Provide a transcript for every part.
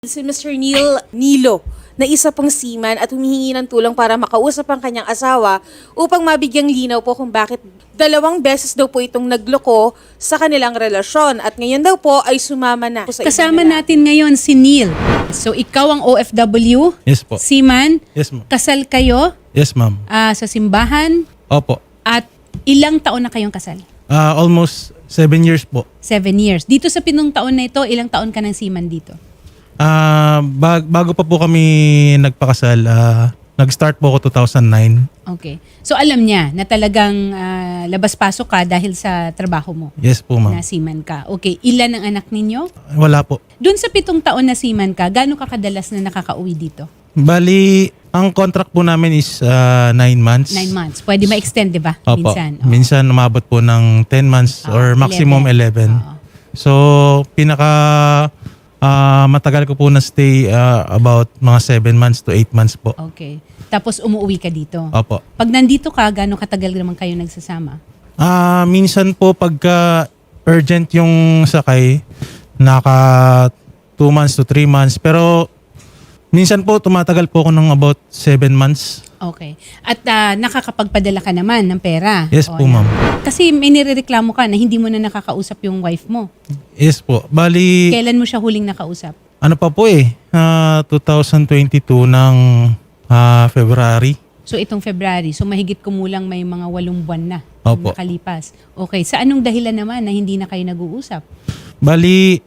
Si Mr. Neil Nilo na isa pang seaman at humihingi ng tulong para makausap ang kanyang asawa upang mabigyang linaw po kung bakit 2 beses daw po itong nagloko sa kanilang relasyon at ngayon daw po ay sumama na. Kasama natin ngayon si Neil. So ikaw ang OFW, Yes po. seaman, Yes, ma'am. kasal kayo Yes, ma'am. sa simbahan Opo. at ilang taon na kayong kasal? Almost 7 years po. 7 years. Dito sa pinong taon na ito, ilang taon ka ng seaman dito? Bago pa po kami nagpakasal, nag-start po ako 2009. Okay. So alam niya na talagang labas-pasok ka dahil sa trabaho mo Yes po, na ma'am. seaman ka. Okay. Ilan ang anak ninyo? Wala po. Doon sa 7 taon na seaman ka, gaano ka kadalas na nakakauwi dito? Bali, ang contract po namin is 9 months. 9 months. Pwede ma-extend, di ba? Opo. Minsan. Oo. Minsan umabot po ng 10 months or maximum 11. Oo. So, matagal ko po na stay about mga 7 months to 8 months po. Okay. Tapos umuwi ka dito. Opo. Pag nandito ka, gaano katagal naman kayo nagsasama? Minsan po pagka urgent yung sakay, naka 2 months to 3 months. Pero minsan po tumatagal po ako ng about 7 months. Okay. At nakakapagpadala ka naman ng pera? Yes po, yan. ma'am. Kasi may nirereklamo ka na hindi mo na nakakausap yung wife mo. Yes po. Bali, Kailan mo siya huling nakausap? ano pa po 2022 ng February. So itong February. So mahigit kumulang may mga 8 buwan na Opo. nakalipas. Okay. Sa anong dahilan naman na hindi na kayo nag-uusap? Bali,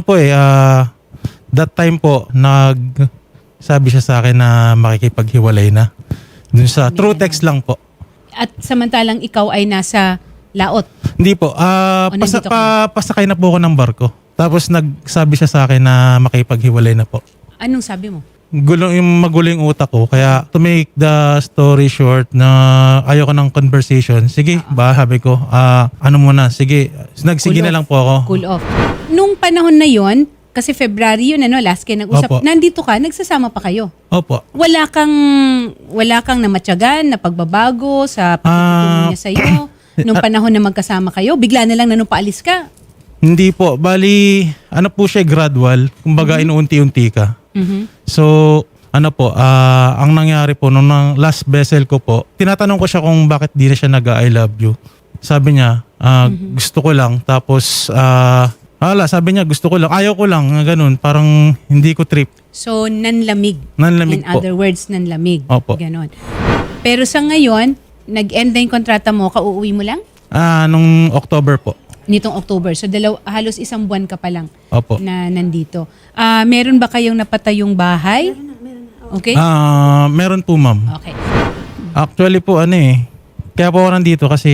that time po, sabi siya sa akin na makikipaghiwalay na. Dun sa true text lang po. At samantalang ikaw ay nasa laot. Hindi po. nandito ka? Pasakay na po ako ng barko. Tapos nagsabi siya sa akin na makipaghiwalay na po. Anong sabi mo? Magulo yung utak ko. Kaya to make the story short na ayoko ng conversation. Sige, sabi ko. Ano muna, sige. Nagsige Cool na off. lang po ako. Cool off. Nung panahon na yon, kasi February yun, last kayo nag-usap. Opo. Nandito ka, nagsasama pa kayo. Opo. Wala kang namatyagan, na pagbabago sa pagtutungo niya sa'yo. Nung panahon na magkasama kayo, bigla na lang na nung paalis ka. Hindi po. Bali, ano po siya, gradual. Kumbaga, inuunti-unti ka. So, ang nangyari po, nung last vessel ko po, tinatanong ko siya kung bakit di na siya nag-I love you. Sabi niya, gusto ko lang. Tapos, sabi niya, gusto ko lang. Ayaw ko lang, ganun. Parang hindi ko trip. So, nanlamig. Nanlamig In po. other words, nanlamig. Opo. Ganon. Pero sa ngayon, nag-end na yung kontrata mo, kauuwi mo lang? Nung October po. Nitong October. So, halos 1 buwan ka pa lang Opo. na nandito. Meron ba kayong napatayong bahay? Okay? Meron po, ma'am. Okay. Actually po, kaya po ako nandito kasi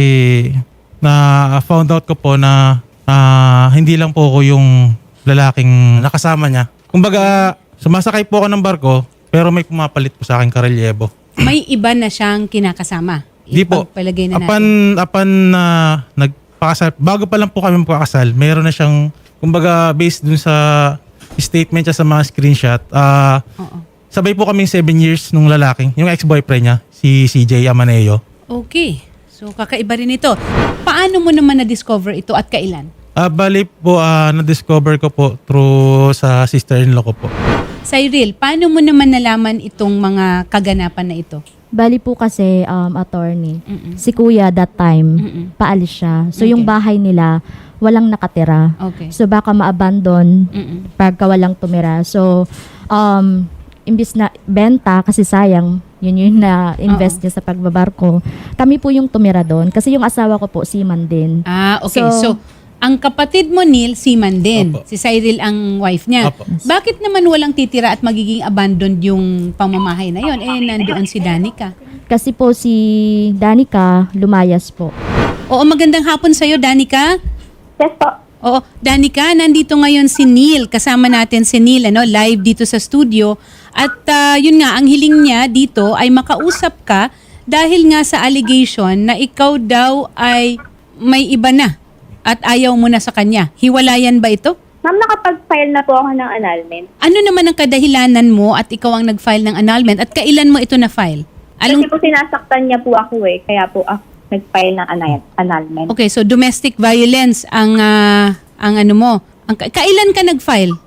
found out ko po na hindi lang po ako yung lalaking nakasama niya. Kumbaga, sumasakay po ako ng barko, pero may pumapalit po sa akin karelyebo. May iba na siyang kinakasama. Di po. Ipagpalagay na natin. Apan na nagpakasal, bago pa lang po kami magpakasal, meron na siyang, kumbaga, based dun sa statement niya sa mga screenshot, Oo. sabay po kami 7 years nung lalaking, yung ex-boyfriend niya, si CJ Amaneo. Okay. So, kakaiba rin ito. Paano mo naman na-discover ito at kailan? Bali po, na-discover ko po through sa sister-in-law ko po. Cyril, paano mo naman nalaman itong mga kaganapan na ito? Bali po kasi, attorney, si kuya that time, paalis siya. So yung Okay. bahay nila, walang nakatira. Okay. So baka ma-abandon pagka walang tumira. So, imbis na benta, kasi sayang, yun yung na-invest niya sa pagbabarko. Kami po yung tumira doon. Kasi yung asawa ko po, seaman din. Okay. So, ang kapatid mo, Neil, seaman din. Opo. Si Cyril ang wife niya. Opo. Bakit naman walang titira at magiging abandoned yung pamamahay na yon? Nandoon si Danica. Kasi po si Danica, lumayas po. Oo, magandang hapon sa'yo, Danica. Yes po. Oo, Danica, nandito ngayon si Neil. Kasama natin si Neil, live dito sa studio. At yun nga, ang hiling niya dito ay makausap ka dahil nga sa allegation na ikaw daw ay may iba na at ayaw mo na sa kanya. Hiwalayan ba ito? Ma'am, nakapag-file na po ako ng annulment. Ano naman ang kadahilanan mo at ikaw ang nag-file ng annulment at kailan mo ito na-file? Kasi po sinasaktan niya po ako kaya po ako nag-file ng annulment. Okay, so domestic violence ang ano mo. Kailan ka nag-file?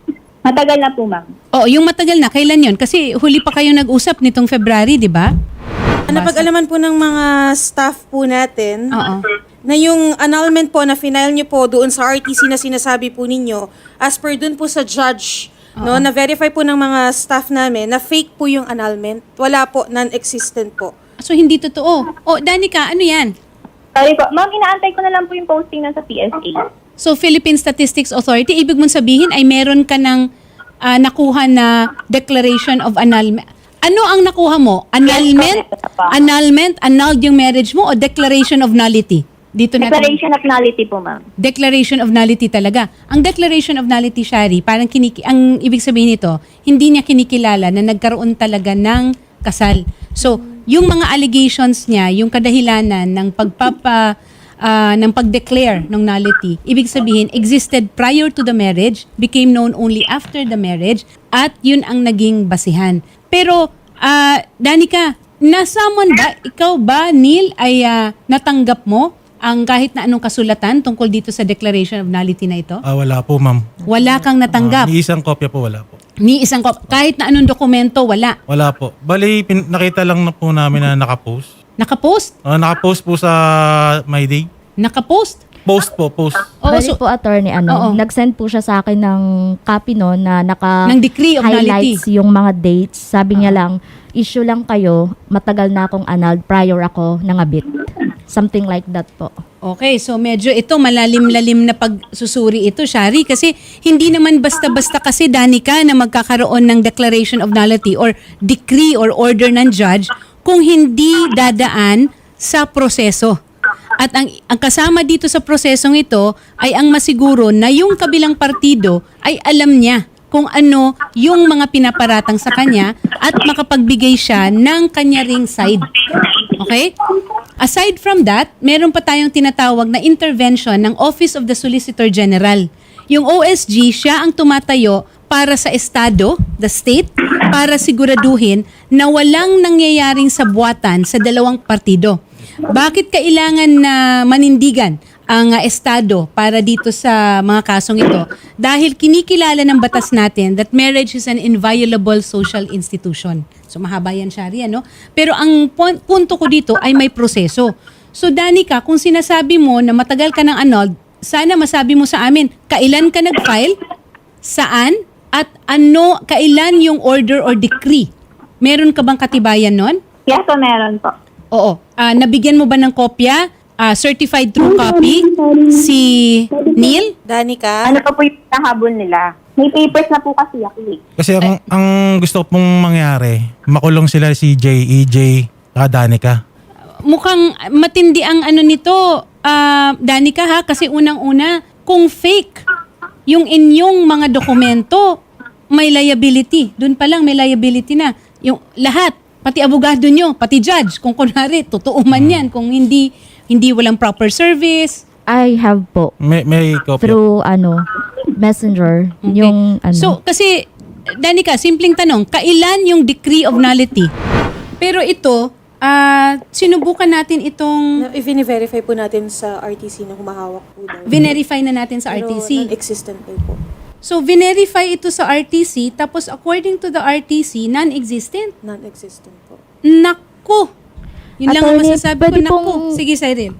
Matagal na po, ma'am. Oo, yung matagal na, kailan yun? Kasi huli pa kayong nag-usap nitong February, di ba? Napag-alaman po ng mga staff po natin Oo. na yung annulment po na final nyo po doon sa RTC na sinasabi po ninyo, as per doon po sa judge, no, na-verify po ng mga staff namin na fake po yung annulment. Wala po, non-existent po. So, hindi totoo. O, Danica, ano yan? Sorry po. Ma'am, inaantay ko na lang po yung posting na sa PSA. So, Philippine Statistics Authority, ibig mong sabihin ay meron ka ng nakuha na declaration of annulment. Ano ang nakuha mo? Annulment? Annulment? Annulled yung marriage mo o declaration of nullity? Dito natin. Declaration of nullity po, ma'am. Declaration of nullity talaga. Ang declaration of nullity, Shari, parang ang ibig sabihin nito, hindi niya kinikilala na nagkaroon talaga ng kasal. So, yung mga allegations niya, yung kadahilanan ng ng pag-declare ng nullity, ibig sabihin, existed prior to the marriage, became known only after the marriage, at yun ang naging basihan. Pero, Danica, nasamon ba, ikaw ba, Neil, ay natanggap mo ang kahit na anong kasulatan tungkol dito sa declaration of nullity na ito? Wala po, ma'am. Wala kang natanggap. Ni isang kopya po, wala po. Ni isang kahit na anong dokumento, wala. Wala po. Bali, nakita lang na po namin na nakapost. Nakapost? Nakapost po sa My Day. Nakapost? Post po, post. Oo, Bali so, po, attorney, Oo. nag-send po siya sa akin ng copy no, na ng decree of nullity. highlights yung mga dates. Sabi niya lang, issue lang kayo, matagal na akong annulled prior ako nangabit. Something like that po. Okay, so medyo ito malalim-lalim na pagsusuri ito, Shari, kasi hindi naman basta-basta kasi, Danica, na magkakaroon ng declaration of nullity or decree or order ng judge kung hindi dadaan sa proseso. At ang kasama dito sa prosesong ito ay ang masiguro na yung kabilang partido ay alam niya kung ano yung mga pinaparatang sa kanya at makapagbigay siya ng kanya ring side. Okay? Aside from that, meron pa tayong tinatawag na intervention ng Office of the Solicitor General. Yung OSG, siya ang tumatayo para sa estado, the state, para siguraduhin na walang nangyayaring sabwatan sa dalawang partido. Bakit kailangan na manindigan ang estado para dito sa mga kasong ito? Dahil kinikilala ng batas natin that marriage is an inviolable social institution. So mahaba yan, Shari, ano? Pero ang punto ko dito ay may proseso. So Danica, kung sinasabi mo na matagal ka ng annulled, sana masabi mo sa amin, kailan ka nag-file, saan, at ano, kailan yung order or decree? Meron ka bang katibayan nun? Yes po, meron po. Oo. Nabigyan mo ba ng kopya, certified true copy, si Neil? Danica? Ano pa po yung nahabol nila? May papers na po kasi ako eh. Kasi ang gusto ko pong mangyari, makulong sila si EJ, Danica. Mukhang matindi ang ano nito, Danica, ha? Kasi unang-una, kung fake yung inyong mga dokumento, may liability. Doon pa lang may liability na. Yung lahat, pati abogado nyo, pati judge, kung kunwari, totoo man yan, kung hindi walang proper service. I have po. May kopya. Through, messenger, Okay. yung, So, kasi, Danica, simpleng tanong, kailan yung decree of nullity? Pero ito, sinubukan natin itong, I-verify po natin sa RTC na humahawak po daw. verify na natin sa Pero RTC. non-existent daw po. So, verify ito sa RTC, tapos according to the RTC, non-existent. Non-existent po. Naku! Yun lang ang Attorney, masasabi ko. pwede Naku! pong- Sige, Cyril.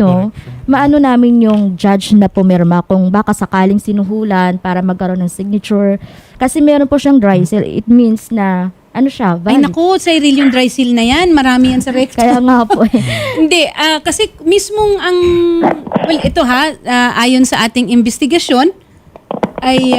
maano namin yung judge na pumirma kung baka sakaling sinuhulan para magkaroon ng signature. Kasi meron po siyang dry seal. It means na, siya, Ay, valid. naku, Cyril, yung dry seal na yan. Marami yan sa record. Kaya nga po eh. Hindi, kasi mismong well, ito ayon sa ating investigasyon, ay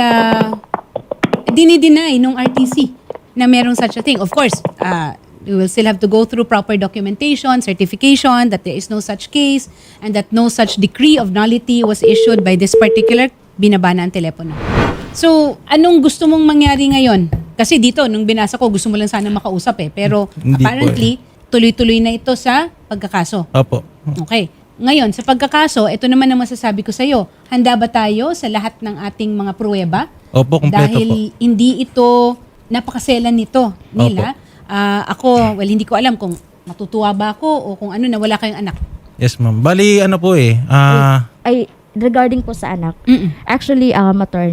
dinideny nung RTC na merong such a thing. Of course, we will still have to go through proper documentation, certification that there is no such case and that no such decree of nullity was issued by this particular binaba na ang telepono. So, anong gusto mong mangyari ngayon? Kasi dito, nung binasa ko, gusto mo lang sana makausap Pero Hindi po apparently, tuloy-tuloy na ito sa pagkakaso. Opo. Okay. Ngayon, sa pagkakaso, ito naman ang masasabi ko sa iyo. Handa ba tayo sa lahat ng ating mga pruweba? Opo, kumpleto Dahil hindi ito, napakaselan nito, Nila. Ako, hindi ko alam kung matutuwa ba ako o kung ano na wala kayong anak. Yes, ma'am. Bali, Ay, regarding po sa anak, actually, attorney,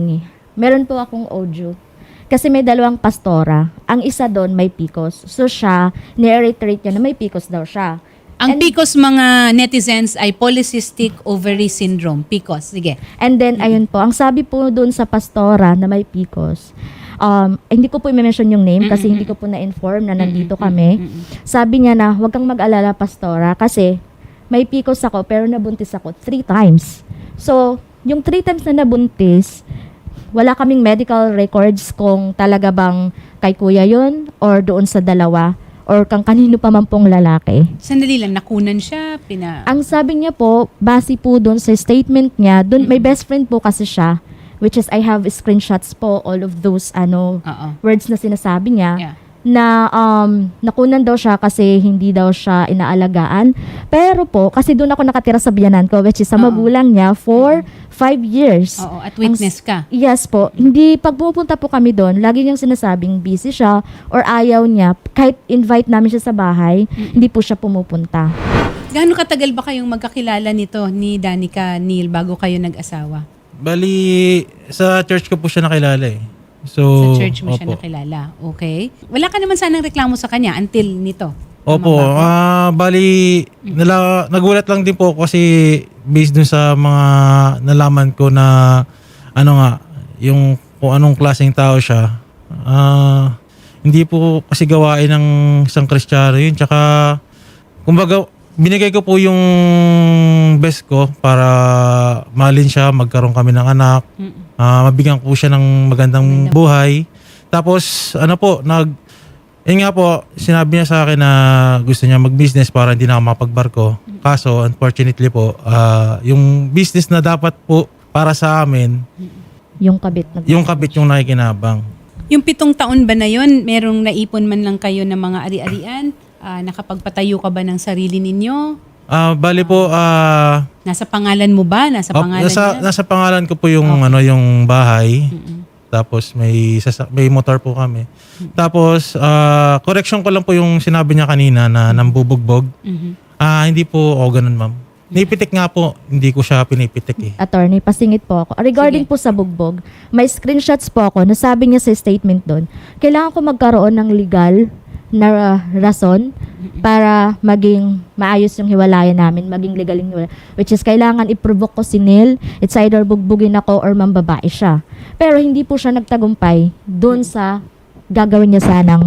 meron po akong audio. Kasi may dalawang pastora. Ang isa doon may PCOS. So siya, ni-reiterate niya na may PCOS daw siya. Ang PCOS mga netizens ay polycystic ovary syndrome. PCOS. Sige. And then, ayun po, ang sabi po doon sa pastora na may PCOS, hindi ko po i-mention yung name kasi hindi ko po na-inform na nandito kami. Sabi niya na, huwag kang mag-alala, pastora, kasi may PCOS ako pero nabuntis ako 3 times. So, yung 3 times na nabuntis, wala kaming medical records kung talaga bang kay kuya yun or doon sa dalawa or kang kanino pa man pong lalaki. Sandali lang, nakunan siya, Ang sabi niya po, base po doon sa statement niya, doon may best friend po kasi siya, which is I have screenshots po, all of those Oo. words na sinasabi niya. Yeah. Na nakunan daw siya kasi hindi daw siya inaalagaan. Pero po, kasi doon ako nakatira sa biyanan ko, which is sa magulang niya for 5 years. Oo, at witness ka. Yes po. Hindi, pag pupunta po kami doon, lagi niyang sinasabing busy siya or ayaw niya. Kahit invite namin siya sa bahay, hindi po siya pumupunta. Gaano katagal ba kayong magkakilala nito ni Danica, Neil, bago kayo nag-asawa? Bali, sa church ko po siya nakilala eh. So, Sa church mo siya opo. nakilala. Okay. Wala ka naman sanang reklamo sa kanya until nito. Opo, Tama ba ako? bali, nagulat lang din po ako kasi based dun sa mga nalaman ko na yung kung anong klaseng tao siya. Hindi po kasi gawain ng isang Kristiyano yun. Tsaka, kumbaga, binigay ko po yung best ko para mahalin siya, magkaroon kami ng anak, mabigyan ko siya ng magandang buhay. Tapos, yun nga po, sinabi niya sa akin na gusto niya mag-business para hindi na ako mapagbarko. Kaso, unfortunately po, yung business na dapat po para sa amin, Yung kabit. yung kabit yung nakikinabang. Yung 7 taon ba na yon, merong naipon man lang kayo ng mga ari-arian? Nakapagpatayo ka ba ng sarili ninyo? Bali po, Nasa pangalan mo ba? Nasa pangalan niya? nasa pangalan ko po yung yung bahay. Tapos may motor po kami. Tapos correction ko lang po yung sinabi niya kanina na nambubugbog. Hindi po ako ganun, ma'am. Nipitik nga po, hindi ko siya pinipitik eh. Attorney, pasingit po ako. Regarding Sige. po sa bugbog, may screenshots po ako na sabi niya sa statement doon, kailangan ko magkaroon ng legal na rason para maging maayos yung hiwalayan namin, maging legal yung hiwalayan. Which is, kailangan i-provoke ko si Neil, it's either bugbugin ako or mambabae siya. Pero hindi po siya nagtagumpay doon sa gagawin niya sanang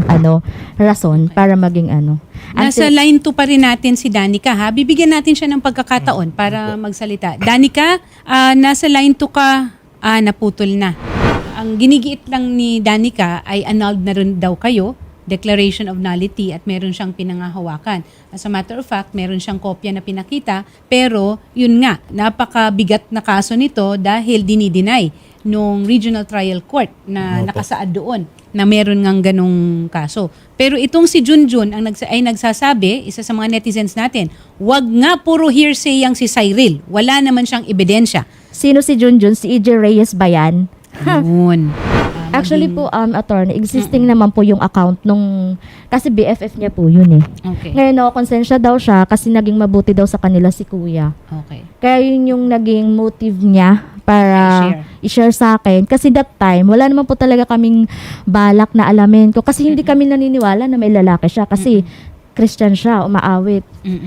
rason para maging Nasa line 2 pa rin natin si Danica, ha? Bibigyan natin siya ng pagkakataon para magsalita. Danica, nasa line 2 ka, naputol na. Ang ginigiit lang ni Danica ay annulled na rin daw kayo, declaration of nullity, at meron siyang pinangahawakan. As a matter of fact, meron siyang kopya na pinakita, pero yun nga, napakabigat na kaso nito dahil dinideny nung regional trial court na Opo. nakasaad doon na meron ngang ganong kaso. Pero itong si Junjun ay nagsasabi, isa sa mga netizens natin, wag nga puro hearsay yang si Cyril. Wala naman siyang ebidensya. Sino si Junjun? Si EJ Reyes ba yan? Yun. Actually po, attorney, existing naman po yung account nung, kasi BFF niya po yun eh. Okay. Ngayon, konsensya daw siya kasi naging mabuti daw sa kanila si kuya. Okay. Kaya yun yung naging motive niya para i-share sa akin. Kasi that time, wala naman po talaga kaming balak na alamin ko. Kasi hindi kami naniniwala na may lalaki siya. Kasi Christian siya, umaawit.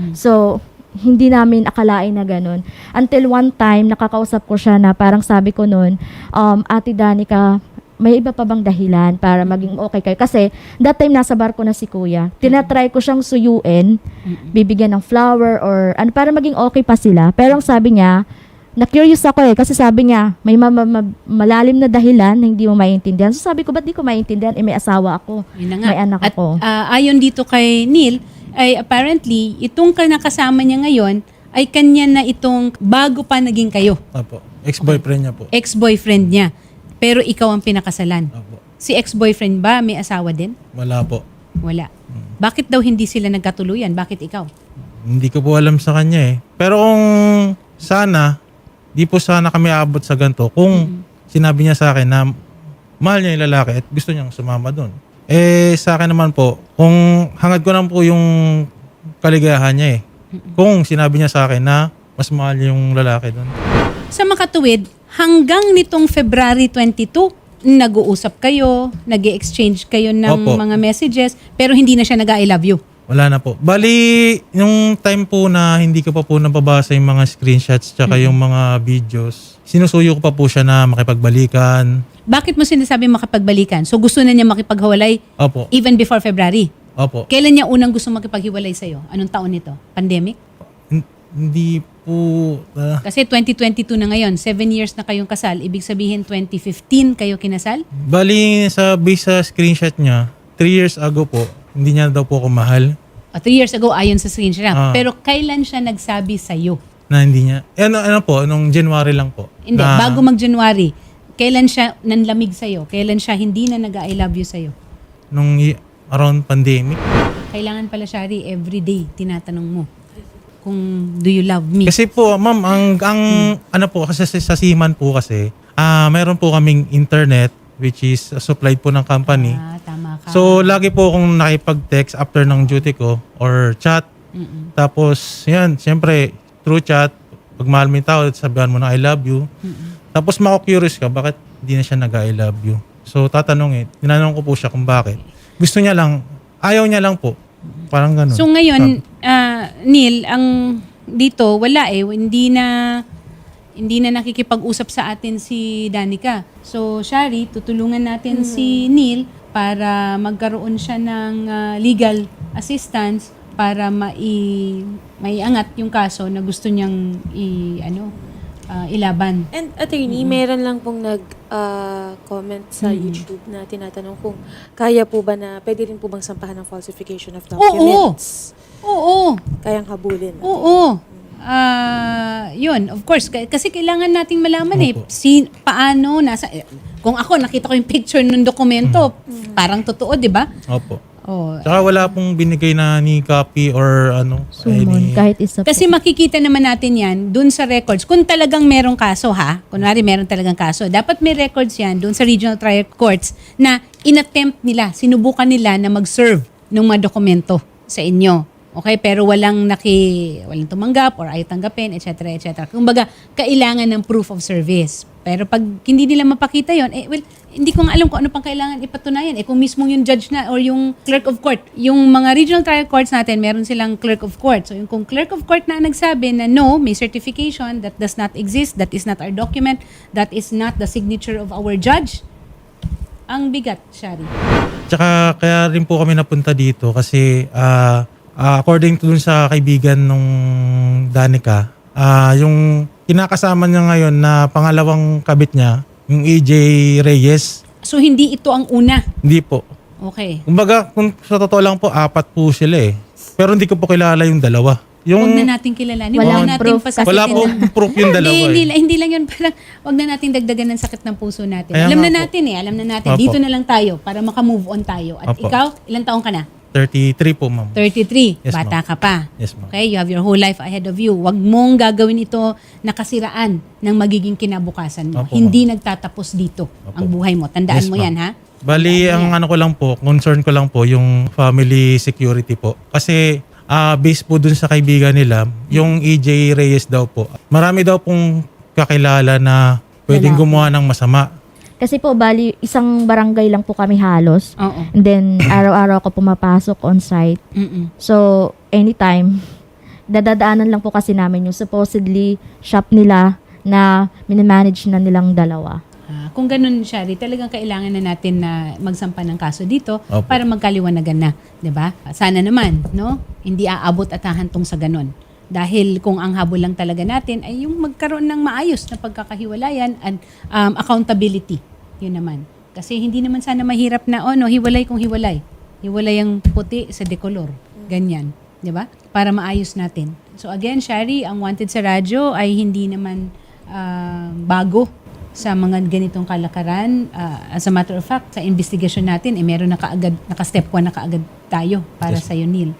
So, hindi namin akalain na ganun. Until one time, nakakausap ko siya na parang sabi ko noon, Ate Danica, may iba pa bang dahilan para maging okay kayo? Kasi that time nasa barko na si kuya. Tinatry ko siyang suyuin, bibigyan ng flower or ano para maging okay pa sila. Pero ang sabi niya, na-curious ako kasi sabi niya, may malalim na dahilan na hindi mo maintindihan. So sabi ko, ba't di ko maintindihan? May asawa ako, Yun na nga. may anak At ako. ayon dito kay Neil, ay apparently, itong nakasama niya ngayon, ay kanya na itong bago pa naging kayo. Opo. Ex-boyfriend niya po. Ex-boyfriend niya. Pero ikaw ang pinakasalan. Opo. Si ex-boyfriend ba may asawa din? Wala po. Wala. Bakit daw hindi sila nagkatuluyan? Bakit ikaw? Hindi ko po alam sa kanya eh. Pero kung sana, di po sana kami aabot sa ganito. Kung sinabi niya sa akin na mahal niya yung lalaki at gusto niyang sumama doon. Sa akin naman po, kung hangad ko naman po yung kaligayahan niya eh. Kung sinabi niya sa akin na mas mahal niya yung lalaki doon. Sa makatuwid, hanggang nitong February 22, nag-uusap kayo, nag-exchange kayo ng Opo. mga messages, pero hindi na siya nag-I love you. Wala na po. Bali, yung time po na hindi ko pa po nababasa yung mga screenshots tsaka yung mga videos, sinusuyo ko pa po siya na makipagbalikan. Bakit mo sinasabi makipagbalikan? So gusto na niya makipaghiwalay Opo. even before February? Opo. Kailan niya unang gusto makipaghiwalay sa'yo? Anong taon nito? Pandemic? Hindi po... Kasi 2022 na ngayon, 7 years na kayong kasal. Ibig sabihin 2015 kayo kinasal? bali, base sa screenshot niya, 3 years ago po, hindi niya daw po ako mahal. 3 years ago ayon sa screenshot. Ah. Pero kailan siya nagsabi sa'yo? Na hindi niya. Ano po, nung January lang po. Hindi, na, bago mag-January, kailan siya nanlamig sa'yo? Kailan siya hindi na nag-I love you sa'yo? Nung around pandemic. Kailangan pala, Shari, everyday tinatanong mo kung do you love me? Kasi po, ma'am, ang ano po, kasi sa Seaman po kasi, meron po kaming internet which is supplied po ng company. Tama ka. So, lagi po akong nakipag-text after ng duty ko or chat. Tapos, yan, siyempre, through chat, pag mahal mo yung tao, sabihan mo na I love you. Tapos, mako-curious ka, bakit hindi na siya nag-I love you? So, tinanong ko po siya kung bakit. Gusto niya lang, ayaw niya lang po. Parang ganun. So ngayon, Neil, ang dito wala hindi na nakikipag-usap sa atin si Danica. So Shari, tutulungan natin si Neil para magkaroon siya ng legal assistance para maiangat yung kaso na gusto niyang ilaban. And attorney, meron lang pong nag-comment sa YouTube na tinatanong kung kaya po ba na pwede rin po bang sampahan ng falsification of documents? Oo. Kayang habulin. Oo. Yun, of course. Kasi kailangan nating malaman Opo. paano, kung ako nakita ko yung picture ng dokumento, parang totoo, di ba? Opo. Oh. Tsaka wala pong binigay na ni copy or Sumon, kahit isa po. Kasi makikita naman natin yan dun sa records. Kung talagang merong kaso kunwari meron talagang kaso, dapat may records yan dun sa regional trial courts na inattempt nila, sinubukan nila na mag-serve ng mga dokumento sa inyo. Okay, pero walang tumanggap or ayaw tanggapin, etc. etc. Kumbaga, kailangan ng proof of service. Pero pag hindi nila mapakita yon, hindi ko nga alam kung ano pang kailangan ipatunayan. Kung mismo yung judge na or yung clerk of court. Yung mga regional trial courts natin, meron silang clerk of court. So kung clerk of court na nagsabi na no, may certification, that does not exist, that is not our document, that is not the signature of our judge, ang bigat, Shari. Tsaka kaya rin po kami napunta dito kasi according to dun sa kaibigan nung Danica, yung kinakasama niya ngayon na pangalawang kabit niya, yung AJ Reyes, So hindi ito ang una. hindi po. Okay. Kumbaga, kung sa totoo lang po, 4 po sila eh. Pero hindi ko po kilala yung dalawa. Huwag Yung na natin kilalanin. Walang Huwag na natin proof. pasakitin. wala po proof yung dalawa eh. Hindi lang yun. Parang huwag na natin dagdagan ng sakit ng puso natin. Kaya Alam nga na po. natin Alam na natin. Opo. Dito na lang tayo para makamove on tayo. At Opo. ikaw, ilang taong ka na? 33 po, ma'am. 33. Yes, Bata ma'am. ka pa. Yes, ma'am. Okay? You have your whole life ahead of you. Huwag mong gagawin ito na kasiraan ng magiging kinabukasan mo. Opo, Hindi nagtatapos dito ang buhay mo. Tandaan Yes, mo ma'am. yan, ha? Bali, ang ano ko lang po, concern ko lang po, yung family security po. Kasi, based po dun sa kaibigan nila, yung AJ Reyes daw po, marami daw pong kakilala na pwedeng Lalaki. gumawa ng masama. Kasi po, bali, isang barangay lang po kami halos. Oo. And then, araw-araw ako pumapasok on site. Mm-mm. So, anytime, dadadaanan lang po kasi namin yung supposedly shop nila na minimanage na nilang dalawa. Kung ganun, Shari, talagang kailangan na natin na magsampa ng kaso dito Opo. para magkaliwanagan na, 'di ba? Sana naman, no? Hindi aabot at hahantong sa ganun. Dahil kung ang habol lang talaga natin ay yung magkaroon ng maayos na pagkakahiwalayan and accountability. Yun naman. Kasi hindi naman sana mahirap na, hiwalay kung hiwalay. Hiwalay ang puti sa dekolor. Ganyan. 'Di ba? Para maayos natin. So again, Shari, ang wanted sa radyo ay hindi naman bago sa mga ganitong kalakaran. As a matter of fact, sa investigation natin, meron na kaagad, naka-step 1 na kaagad tayo para sa iyo, Neil.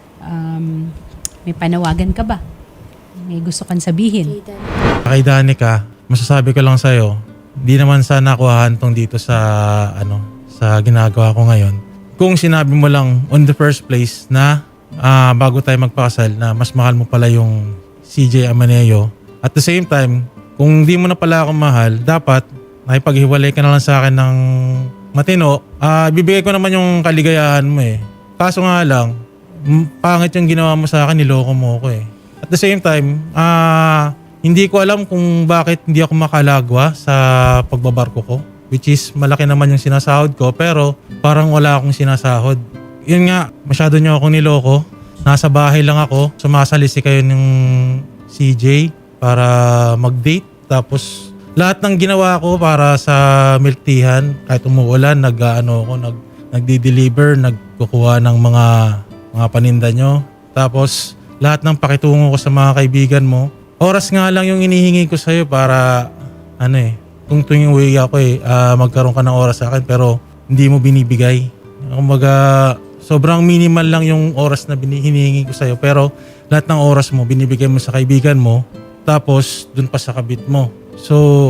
May panawagan ka ba? May gusto kang sabihin? Kay Danica, masasabi ko lang sa'yo, di naman sana ako hahantong dito sa ginagawa ko ngayon. Kung sinabi mo lang on the first place na bago tayo magpakasal na mas mahal mo pala yung CJ Amaneo, at the same time, kung di mo na pala ako mahal, dapat nakipaghiwalay ka na lang sa akin ng matino. Bibigay ko naman yung kaligayahan mo eh. Kaso nga lang, pangit yung ginawa mo sa akin, niloko mo ako eh. At the same time, hindi ko alam kung bakit hindi ako makalagwa sa pagbabarko ko. Which is, malaki naman yung sinasahod ko, pero parang wala akong sinasahod. Yun nga, masyado niyo akong niloko. Nasa bahay lang ako, sumasalisi kayo ng CJ para mag-date. Tapos, lahat ng ginawa ko para sa milk teahan, kahit umuulan, nagdi-deliver, nagkukuha ng mga paninda nyo. Tapos, lahat ng pakitungo ko sa mga kaibigan mo, oras nga lang yung inihingi ko sa'yo para, kung tuwing uwi ako magkaroon ka ng oras sa akin, pero hindi mo binibigay. Kumbaga, sobrang minimal lang yung oras na hinihingi ko sa'yo, pero lahat ng oras mo, binibigay mo sa kaibigan mo, tapos dun pa sa kabit mo. So,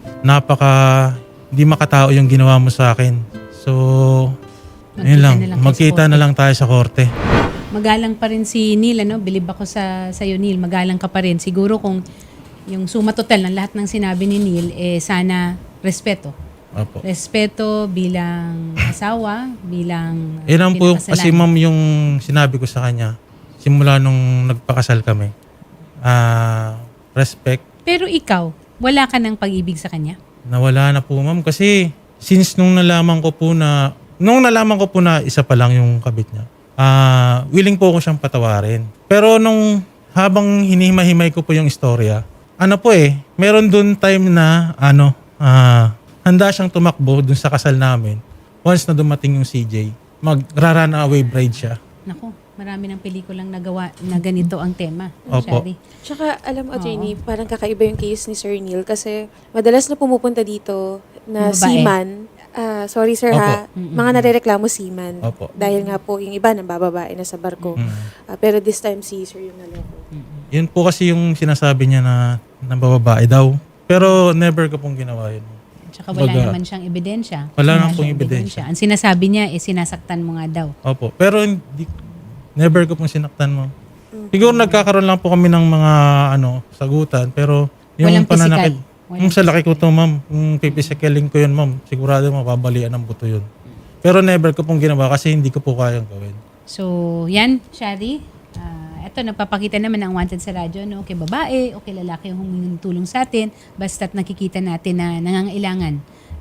hindi makatao yung ginawa mo sa akin. So, yun lang. Magkita na lang tayo sa korte. Magalang pa rin si Neil, Bilib ako sa'yo, Neil. Magalang ka pa rin. Siguro kung yung suma total ng lahat ng sinabi ni Neil, sana respeto. Opo. Respeto bilang asawa, bilang Yan po pinakasalan. kasi ma'am yung sinabi ko sa kanya simula nung nagpakasal kami. Respect. Pero ikaw, wala ka ng pag-ibig sa kanya? Nawala na po ma'am kasi since nung nalaman ko po na isa pa lang yung kabit niya, willing po ako siyang patawarin. Pero nung habang hinihimay-himay ko po yung istorya, meron dun time na handa siyang tumakbo dun sa kasal namin. Once na dumating yung CJ, magra-run away bride siya. Naku, marami ng pelikulang nagawa na ganito ang tema. Opo. Shari. Tsaka, alam mo, attorney, parang kakaiba yung case ni Sir Neil kasi madalas na pumupunta dito na Yung babae. seaman. Sorry sir Opo. ha, mga narereklamo seaman. Opo. Dahil nga po yung iba nang bababae na sa barko. Pero this time si Sir yung naloko. Yun po kasi yung sinasabi niya na bababae daw. Pero never ko pong ginawa yun. Tsaka wala Baga, naman siyang ebidensya. Wala naman siyang pong ebidensya. Ang sinasabi niya, sinasaktan mo nga daw. Opo. Pero never ko pong sinaktan mo. Siguro nagkakaroon lang po kami ng mga sagutan. Pero yung Walang pananakit, physical. yung sa laki ko to ma'am, kung pipisikelin ko yun ma'am, sigurado mapabalian ng buto yun. Pero never ko pong ginawa kasi hindi ko po kayang gawin. So, yan, Shari. Ito, nagpapakita naman ang wanted sa radyo, no? Okay, babae, okay, lalaki yung humingi ng tulong sa atin, basta't nakikita natin na nangangailangan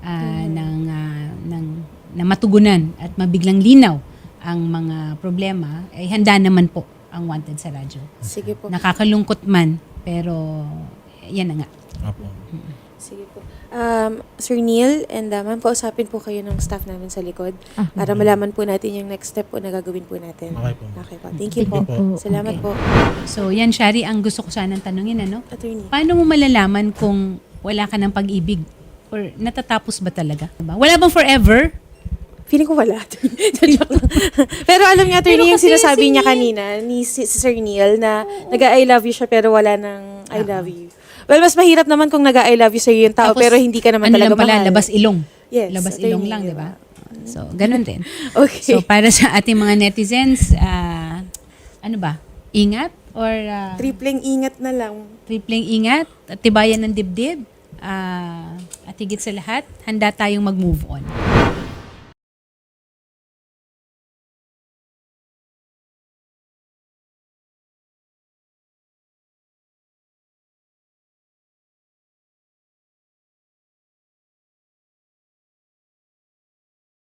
ng matugunan at mabiglang linaw ang mga problema, ay handa naman po ang wanted sa radyo. Sige po. Nakakalungkot man, pero yan na nga. Opo. Sige po. Sir Neil, and ma'am, kausapin po kayo ng staff namin sa likod para malaman po natin yung next step po na gagawin po natin. Okay po. Okay po. Thank you po. Thank you po. Salamat Okay. po. So, yan, Shari, ang gusto ko sanang tanungin, Attorney. Paano mo malalaman kung wala ka ng pag-ibig? Or natatapos ba talaga? Diba? Wala bang forever? Feeling ko wala. Pero alam niya, attorney, Pero yung kasi sinasabi si niya Neil- kanina, ni si Sir Neil, na nag-I love you siya pero wala ng I love you. Well, mas mahirap naman kung nag-I love you sa'yo yung tao Tapos, pero hindi ka naman ano talaga lang pala, mahal. labas ilong. Yes, Labas attorney, ilong lang, di ba? So, ganun din. Okay. So, para sa ating mga netizens, ano ba? Ingat? Or Tripleng ingat na lang. tripling ingat? At tibayan ng dibdib? At higit sa lahat, handa tayong mag-move on.